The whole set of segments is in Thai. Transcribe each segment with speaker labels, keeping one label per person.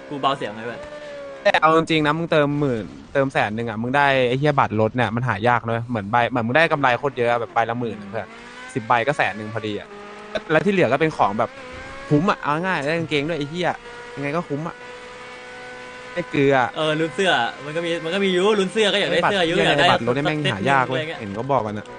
Speaker 1: กูเบาเสียงไงเว้ย
Speaker 2: แต่เอาจริงๆนะมึงเติม10,000เติม100,000อ่ะมึงได้ไอ้เหี้ยบัตรรถเนี่ยมันหายากเลยเหมือนมึงได้กำไรโคตรเยอะแบบใบละ10,000เพื่อน10 ใบก็100,000พอดีอ่ะแล้วที่เหลือก็เป็นของแบบคุ้มอ่ะเอาง่ายได้กางเกงด้วยไอ้เหี้ยยังไงก็คุ้มอ่ะได้เกลือ
Speaker 1: ลุ้นเสื้อมันก็มียูลุ้นเสื้อก็อยากได้เสื้อยูอยากได้
Speaker 2: บัตรรถได้แม่งหายากเว้ย
Speaker 1: อะไรงี้
Speaker 2: เห็นเขาบอกกันนะ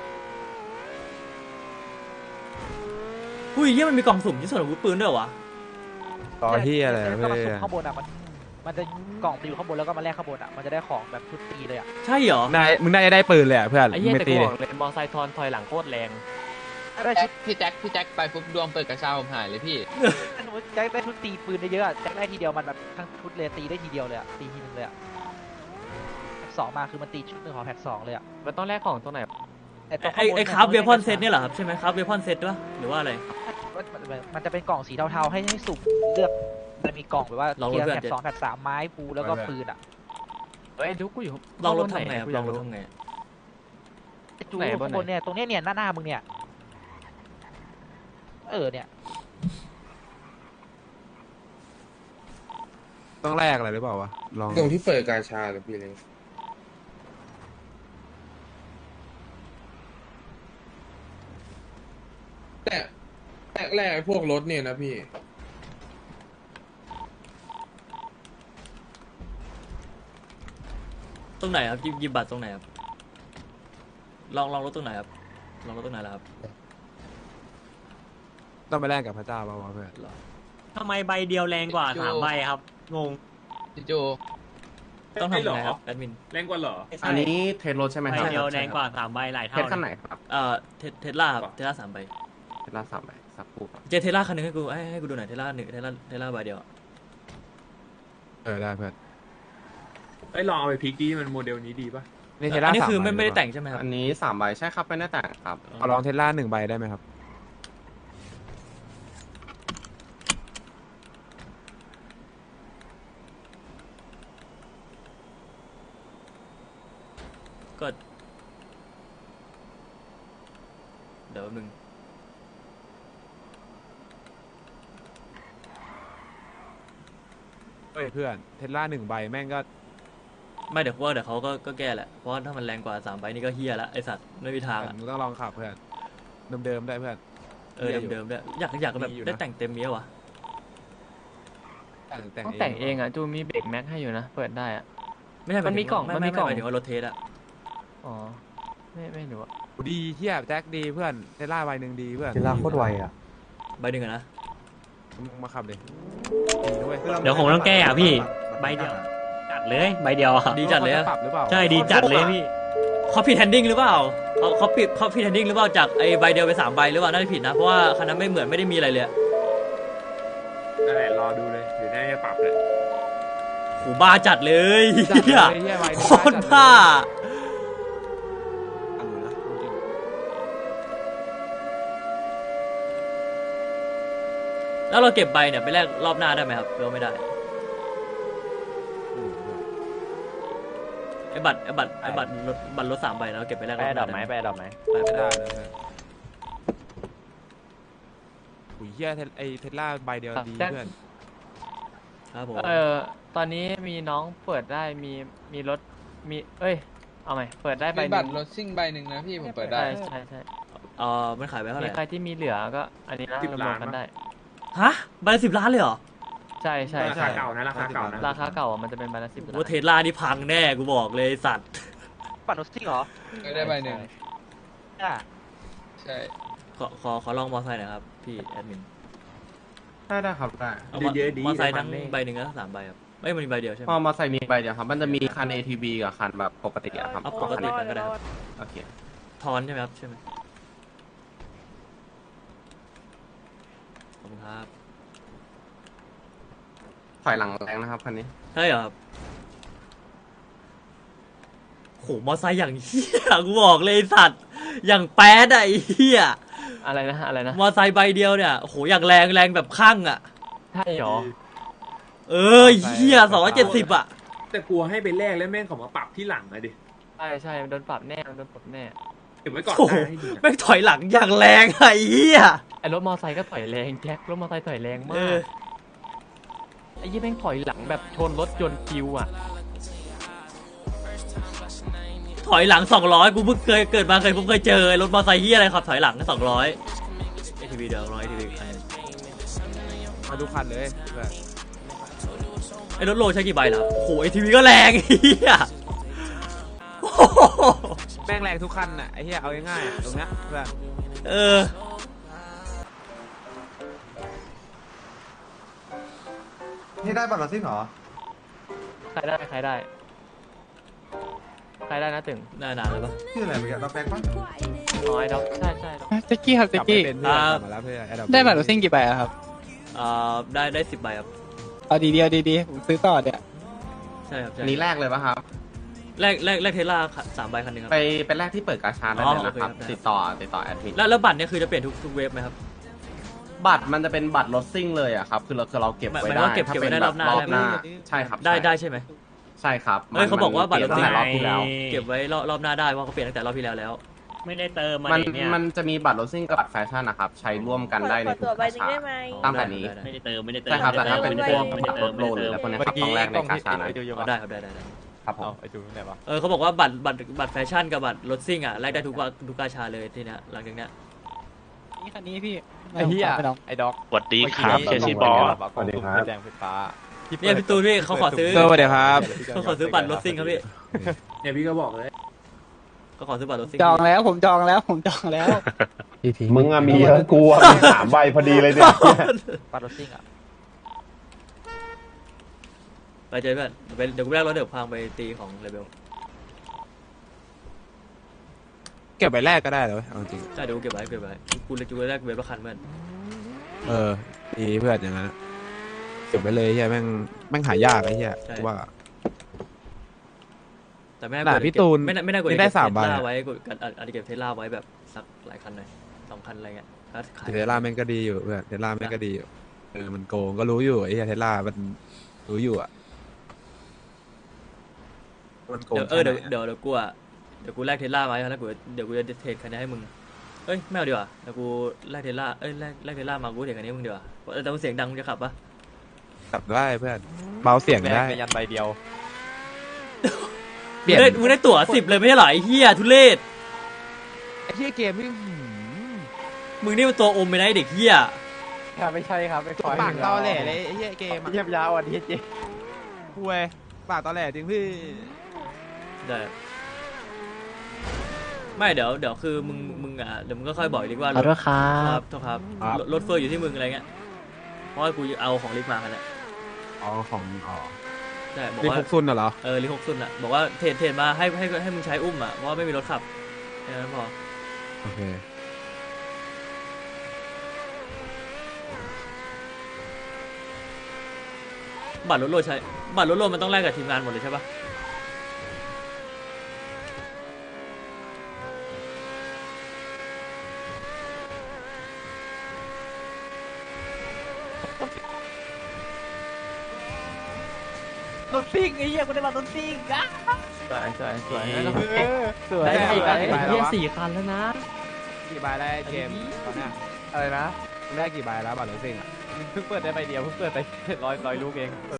Speaker 1: หุ้ยเหี้ยมันมีกล่องสุ่มที่ส่วนอาวุธปืนด้วยเหรอวะ
Speaker 2: ต่อที่อะไร
Speaker 3: ก็
Speaker 2: เพื่อ
Speaker 3: มาสุ่ม
Speaker 2: น
Speaker 3: ข้างบนอ่ะมันจะกล่องอยู่ข้างบนแล้วก็มาแลกข้างบนอ่ะมันจะได้ของแบบชุดตีเลยอ่ะ
Speaker 1: ใช่เหรอ
Speaker 2: มึงได้ปืนเลยอ่ะเพื่อน
Speaker 4: ไอ้เหี้ย
Speaker 2: ไม่
Speaker 4: แต่
Speaker 2: ตี
Speaker 4: กู
Speaker 2: เล
Speaker 4: บอย กเลยมอไซค์ถอยหลังโคตรแรง
Speaker 3: ถ้าได้ชุด
Speaker 5: พี่แจ็คไปปุ๊บดวงเปิดกระเช้าผมหายเลยพี่
Speaker 3: ถ้าสมมติแจ็คได้ชุดตีปืนได้เยอะอะแจ็คได้ทีเดียวมันแบบทั้งชุดเลยตีได้ทีเดียวเลยอ่ะตีทีนึงเลยอ่ะแพ็ก2มาคือมันตีชุดหนึ่งของแพ็ก2เลยอ่ะ
Speaker 4: มันต้องแลกของตรงไหน
Speaker 3: แต่ตรง
Speaker 1: ไอ้คราฟเวพอนเซตเนี่ยเหรอครับใช่ไหมคราฟเวพอนเซตด้วยหรือว่าอะไร
Speaker 3: มันจะเป็นกล่องสีเทาๆให้สุ่มเลือกมันมีกล่องแบบว่า
Speaker 1: ลอง
Speaker 3: เทียร์
Speaker 1: เลือก
Speaker 3: แพ็ก2แพ็ก3ไม้ปูแล้วก็ปืนอ่ะ
Speaker 4: เฮ้ยดูกูอยู่
Speaker 1: ลองรถ
Speaker 4: ข้า
Speaker 1: ทำไง
Speaker 4: บนหน
Speaker 1: ครับ
Speaker 4: กู
Speaker 1: ล
Speaker 4: ยา
Speaker 1: อก งรถ
Speaker 4: รู้
Speaker 1: ทำไง
Speaker 3: จู
Speaker 4: ไหนบนไหน
Speaker 3: ข้างบนเนี่ยตรงเนี้ยเนี่ยหน้ามึงเนี่ยเนี่ย
Speaker 2: ต้องแลกอะไรหรือเปล่าวะลอง
Speaker 6: ตรงที่เปิดกาชาหรือพี่เล้งแต่แรกๆไอ้พวกรถเนี่ยนะพี่
Speaker 1: ตรงไหนครับหยิบบัตรตรงไหนครับลองรถตรงไหนครับลองรถตรงไหนล่ะครับ
Speaker 2: ต้องไปแลกกับพระเจ้าเปล่าวะเพื่อน
Speaker 7: ทำไมใบเดียวแรงกว่า
Speaker 5: โจ้
Speaker 7: 3 ใบครับ งง
Speaker 5: พี่โจ
Speaker 1: ต้องทำยังไงครับแอดมิน
Speaker 7: แรงกว่าเหรอ
Speaker 8: อันนี้เทสรถใช่ไหม
Speaker 7: ใบ
Speaker 8: ครับ
Speaker 7: เดียวแรงกว่า 3 ใบหลาย
Speaker 8: เท
Speaker 7: เท่า
Speaker 8: สขั้นไหนครับ
Speaker 1: เทสลาครับเทสลา3 ใบ
Speaker 8: เทสลา3ใบสักครู่ครับ
Speaker 1: เจเทสลาคันหนึงให้กูดูหน่อยเทสลา1เทสลาใบเดียว
Speaker 2: ได้เพื่อน
Speaker 7: ไอ้ยลองเอาไปพลิกดีมันโมเดลนี้ดีป่ะ
Speaker 2: นี่เทส
Speaker 1: อั
Speaker 2: ลาน
Speaker 1: นี้คือ
Speaker 2: 3
Speaker 1: ไม่ได้แต่งใช่ไหมครับ
Speaker 8: อันนี้3ใบใช่ครับไม่ได้แต่งครับ
Speaker 2: เอาลองเทสลา1 ใบได้ไหมครับ
Speaker 1: ก็เดี๋ยวแป๊บนึง
Speaker 2: เฮ้ยเพื่อนเทสลา1 ใบแม่งก็
Speaker 1: ไม่เดี๋ยวเขาก็แก้แหละเพราะว่าถ้ามันแรงกว่า3 ใบนี่ก็เฮียละไอสัตว์ไม่มีทางอ่ะ
Speaker 2: มึงต้องลองขับเพื่อนเดิมๆได้เพื่อน
Speaker 1: เดิมๆด้วยอยากแบบ
Speaker 2: มีอยู่นะ
Speaker 1: ได้แต่งเต็มเมียวะ
Speaker 4: ต้องแต่งเองอ่ะจูมีเบรกแม็กให้อยู่นะ เปิดได้อ่ะ
Speaker 1: ไม่ใช่
Speaker 4: มันมีกล่องมันมีกล่อง
Speaker 1: หมายถึงว่ารถเทสอะ
Speaker 4: อ๋อไม่รู้อะ
Speaker 2: ดีเที่ยแจ็คดีเพื่อนเทสลาใบหนึ่งดีเพื่อน
Speaker 9: เทสลาโคตรไวอ่ะ
Speaker 1: ใบหนึ่งอะนะ
Speaker 2: มึงมาขับเลยดีด้วย
Speaker 7: เดี๋ยวผมต้องแก้อ่ะพี่ ใบเดียว จัดเลยใบเดียวอะ
Speaker 1: ดีจัดเลยอะ
Speaker 2: ปรับหรือเปล่า
Speaker 7: ใช่ดีจัดเลยพี่
Speaker 1: เขาผิดแฮนดิ้งหรือเปล่าเขาผิดแฮนดิ้งหรือเปล่าจากไอใบเดียวไป3 ใบหรือเปล่าน่าจะผิดนะเพราะว่าคันนั้นไม่ได้มีอะไรเลยอะ
Speaker 7: นั่นแหละรอดูเลยเดี๋ยวน่าจะปรับเลย
Speaker 1: โหบ้าจัดเลย
Speaker 2: จัด
Speaker 1: เฮีย
Speaker 2: เลยเหี้ยใบ
Speaker 1: โคตรบ้า
Speaker 2: อันนู้นนะจริง
Speaker 1: แล้วเราเก็บใบเนี่ยไปแลกรอบหน้าได้ไหมครับหรือว่าไม่ได้ไอบัตรรถ3 ใบแล้วเก็บไปแลกรอบหน้าได้ไหม
Speaker 4: ไปดอกไหม
Speaker 1: ไป
Speaker 2: ไม่
Speaker 1: ได้
Speaker 2: ได้เลยเพื่อนอุ้ยเฮียไอเทสลาใบเดียวดีเพื่อน
Speaker 1: ครับผม
Speaker 4: ตอนนี้มีน้องเปิดได้มีรถเอาใหม่เปิดได้ใบ
Speaker 5: มี
Speaker 4: ห
Speaker 5: บั
Speaker 4: นึ่
Speaker 5: ต
Speaker 4: ง
Speaker 5: รรถซิ่งใบหนึ่งนะพี่ผมเปิดได้
Speaker 4: ใช่
Speaker 1: มันขายไปเท่าไห
Speaker 4: มี
Speaker 1: ร่
Speaker 4: ใครที่มีเหลือก็อันนี้นะรวมกันได้
Speaker 1: ฮะใบละ10 ล้านเลยเหรอ
Speaker 4: ใช่
Speaker 7: ราคาเก่านะราคาเก่านะ
Speaker 4: ราคาเก่าอะมันจะเป็นใบละ10 ล้าน
Speaker 1: ว่าเทสลานี่พังแน่กูบอกเลยไอ้สัตว์
Speaker 3: ปัดรถซิ่งเหรอ
Speaker 5: ได้ใบหนึ่ง
Speaker 3: อ่ะ
Speaker 5: ใช่
Speaker 1: ขอลองมอไซค์หน่อยครับพี่แอดมิน
Speaker 8: ได้ครับได้
Speaker 1: เอามอไซค์ทั้งใบหนึ่งแล้ว3 ใบครับไม่มันมีใบเดียวใช่ไหม
Speaker 8: พอมาใส่มีใบเดียวครับ มันจะมีคัน ATV กับคันแบบปกติอะครับ
Speaker 1: เอาปกติกันก็ได้ครับ
Speaker 8: โอเค
Speaker 1: ทอนใช่ไหมครับใช่ไหมขอบคุณครับ
Speaker 8: ถอยหลังแรงนะครับคันนี้
Speaker 1: ใช่เหรอครับโหมอไซค์อย่างเฮียกูบอกเลยไอ้สัตว์อย่างแป๊ดอะไอ้เฮีย
Speaker 4: อะไรนะ
Speaker 1: มอไซค์ใบเดียวเนี่ยโหอย่างแรงแบบข้างอะ
Speaker 4: ใช่หรอ
Speaker 1: เฮีย270อะ
Speaker 7: แต่กลัวให้ไปแลกแล้วแม่งเขามาปรับที่หลังอะดิ
Speaker 4: ใช่โดนปรับแน่โดนปรับแน่
Speaker 7: เก็บไว้ก่อน
Speaker 1: โอ้โห
Speaker 7: ได้ให้ดีนะ
Speaker 1: แม่งถอยหลังอย่างแรงอะไอ้เฮีย
Speaker 4: ไอ้รถมอไซค์ก็ถอยแรงแจ็ครถมอไซค์ถอยแรง
Speaker 1: เอ
Speaker 4: มา
Speaker 1: อก โห
Speaker 4: ไอ้ยี่แม่งถอยหลังแบบชนรถยนต์คิวอ่ะ
Speaker 1: ถอยหลัง200กูเพิ่งเคยเกิดมาเคยเจอรถมอเตอร์ไซค์เฮียอะไรขับถอยหลัง200 ATV เดี๋ยว100 ATV ใคร
Speaker 2: มาดูคันเลยเพื่อน
Speaker 1: ไอ้รถโลใช้กี่ใบล่ะโอ้โห ATV ก็แรงเฮียโอ้โห
Speaker 2: แม่งแรงทุกคันน่ะไอ้เหี้ยเอาง่ายๆอะตรงเนี้ยเพื่อน
Speaker 1: เออ
Speaker 9: นี่ได้บัตรรถซิ่งเหรอ
Speaker 4: ใครได้ใครได้ใครได้นะตึง
Speaker 1: นานแล้วปะ
Speaker 9: ชื่ออะไรเมื่อกี้เราแปลงปะ
Speaker 4: น้อยดอกใช่ใช่ดอก
Speaker 10: แจ็คกี้ครับ
Speaker 2: ก
Speaker 10: แจ็
Speaker 2: ลั
Speaker 10: ค
Speaker 2: บไป
Speaker 10: กี้
Speaker 2: เป็นเพื่อนกลับมาแล้วเพื่อน Adopt
Speaker 10: ได้บัตรรถซิ่งกี่ใบอะครับ
Speaker 1: ได้10 ใบครับ
Speaker 10: เอาดีๆเอาดีๆผมซื้อต่อเนี่ย
Speaker 1: ใช่ครับใช่
Speaker 8: อันนี้แรกเลยป่ะครับ
Speaker 1: แรกเทสลา3 ใบคันหนึงครับ
Speaker 8: ไปแรกที่เปิดกาชาได้เลยนะครับ
Speaker 1: โอเคครับ
Speaker 8: ติดต่อแอดมิน
Speaker 1: แล้วบัตรเนี่ยคือจะเปลี่ยนทุกเวฟไหมครับ
Speaker 8: บัตรมันจะเป็นบัตรรถซิ่งเลยอะครับคือเราเก็บไว้
Speaker 1: หมาย
Speaker 8: ได้
Speaker 1: ว่าเก็บ
Speaker 8: ถ้า
Speaker 1: ไว้
Speaker 8: เป็น
Speaker 1: ได้
Speaker 8: แบ
Speaker 1: รอ
Speaker 8: บบ
Speaker 1: หน้า
Speaker 8: รอบ
Speaker 1: ได้ไหม
Speaker 8: หน้าใช่ครับ
Speaker 1: ได้ใช่ไหม
Speaker 8: ใช่ครับ
Speaker 1: เฮ้ยเขาบอกว่าบัตรรถซิ่ง
Speaker 8: ตั้งแต่รอบที่แล้ว
Speaker 1: เก็บไว้รอบหน้าได้ว่าเขาเปลี่ยนตั้งแต่รอบที่แล้วแล้ว
Speaker 7: ไม่ได้เติมมา
Speaker 8: มัน
Speaker 7: เนี่ย
Speaker 8: มันจะมีบัตรรถซิ่งกับบัตรแฟชั่นนะครับใช้ร่วมกันได้ในทุกกาชาตั้งแต่นี้
Speaker 7: ไม่ได้เติมไม่ได้เติม
Speaker 8: ใช่ครับแต่ถ้าเป็นพวก
Speaker 7: ไม่
Speaker 8: บั
Speaker 7: ได้
Speaker 8: ตร
Speaker 7: เติ
Speaker 8: ร
Speaker 7: ม
Speaker 8: ถโลหรืออะไรพวกเนี้ยครับต้องแรกในกาชานะ
Speaker 1: ได้ครับได้
Speaker 8: ครับผม
Speaker 2: ไอ้จูไหนวะ
Speaker 1: เขาบอกว่าบัตรแฟชั่นกับบัตรรถซิ่งอ่ะแลกได้ทุกกาชาเลยทีเนี้ยหลังจากเนี้ย
Speaker 10: นี่คันนี้พี่
Speaker 2: ไอ้เหี้ย
Speaker 10: ไม่ต้อง
Speaker 2: ไอ้ด็อก
Speaker 7: สวัสดีครับเชซี่บอส
Speaker 2: สวัสดีครับแดงไฟฟ้า
Speaker 1: เนี่ยพี่ตูนพี่เขาขอซื้อ
Speaker 2: สวัสดีครับ
Speaker 1: เขาขอซื้อบัตรรถซิ่งครับพี่
Speaker 5: เนี่ยพี่ก็บอกเลย
Speaker 1: เขาขอซื้อบัตรรถซิ่ง
Speaker 10: จองแล้วผมจองแล้วผมจองแล้ว
Speaker 9: มึงอะมีเยอะกูอะมี3 ใบพอดีเลยเนี่ย
Speaker 3: บัตรรถซิ่งอ่ะ
Speaker 1: ไปเจอเพื่อนเดี๋ยวกูแลกรถเดี๋ยวพังไปตีของเลเบล
Speaker 2: เก็บใบแรกก็ได้เลยเอาจริง
Speaker 1: ใช่เดี๋ยวกูเก็บไว้กูแลกเวฟละคันเพื่อน
Speaker 2: เออดีเพื่อนอย่างนั้นอะเก็บไว้เลยเฮียแม่งหายากไอ้เฮียกูว่า
Speaker 1: แต่ไม่น่า
Speaker 2: น่ะพี่ตูน
Speaker 1: ไม่น่ากด
Speaker 2: นี่ได้3 ใบ
Speaker 1: เทสลา
Speaker 2: อะ
Speaker 1: ไว้กดอาจจะเก็บเทสลาไว้แบบสักหลายคันหน่อย2 คันอะไรเงี้ยถ้าขาย
Speaker 2: เทสลาแม่งก็ดีอยู่เพื่อนเทสลาแม่งก็ดีอยู่มันโกงก็รู้อยู่ไอ้เฮียเทสลามันรู้อยู่อะมันโกง
Speaker 1: เดี๋ยวกูอ่ะเดี๋ยวกูแลกเทสลาไว้แล้วเดี๋ยวกูจะเทรดคันนี้ให้มึงเอ้ยไม่เอาดีกว่าเดี๋ยวกูแลกเทสลาแลกเทสลามากูเทรดคันนี้ให้มึงดีกว่าแต่มันเสียงดังมึงจะขับปะ
Speaker 2: ขับได้เพื่อนเบาเสียงได้
Speaker 6: ยันใบเดียว
Speaker 2: เปลี่ยน
Speaker 1: มึงได้ตั๋ว10เลยไม่ใช่เหรอไอ้เหี้ยทุเรศ
Speaker 2: ไอ้เฮียเกมนี่
Speaker 1: มึงนี่มันตัวอมไปนะไอ้เด็กเหี้ย
Speaker 3: ไม่ใช่ครับไม่
Speaker 2: ปากตอแหล่เลยไอ้เฮียเกมอะ
Speaker 3: เยียบยาวอ่ะดีเจ
Speaker 2: คุยปากตอแหล่จริงพี่
Speaker 1: ได้ไม่เดี๋ยวคือมึงอ่ะเดี๋ยวมึงก็ค่อยบอกอีกทีว่า
Speaker 4: ขอโทษครั
Speaker 1: ครับ บโทษครับรถเฟอร์อยู่ที่มึงอะไรเงี้ยเพราะว่ากูเอาของลิกมากันแหละ
Speaker 2: อ๋อของอ๋อ
Speaker 1: ใช่บอก
Speaker 2: ลิ
Speaker 1: ว่า
Speaker 2: คุกซุนเหรอ
Speaker 1: ลิก60อ่ะบอกว่าเทรดมาให้มึงใช้อุ้มอ่ะเพราะว่าไม่มีรถขับแค่นั้นพอ
Speaker 2: โอเค
Speaker 1: บัตรรถโลดใช้บัตรรถโลดมันต้องแลกกับทีมงานหมดเลยใช่ปะรถซิ่งไอ้เหี้ยกูได้บัตรรถซิ่งอ่ะ
Speaker 4: สวยสวยสวย
Speaker 10: สวย
Speaker 4: ได้กี่
Speaker 2: ได้
Speaker 4: คัน
Speaker 2: กี่ใบ
Speaker 4: ไอ้
Speaker 2: แล้ว
Speaker 4: เหี้ยว
Speaker 2: ะ
Speaker 4: 4 คันแล้วนะ
Speaker 2: กี่ใบได้เกมตอนเนี้ย
Speaker 3: อะไรนะ
Speaker 2: ได้กี่ใบแล้วบัตรรถซิ่งอ่ะ
Speaker 3: เพิ่งเปิดได้ใบเดียวเพิ่งเปิดไป100 ลูกเอง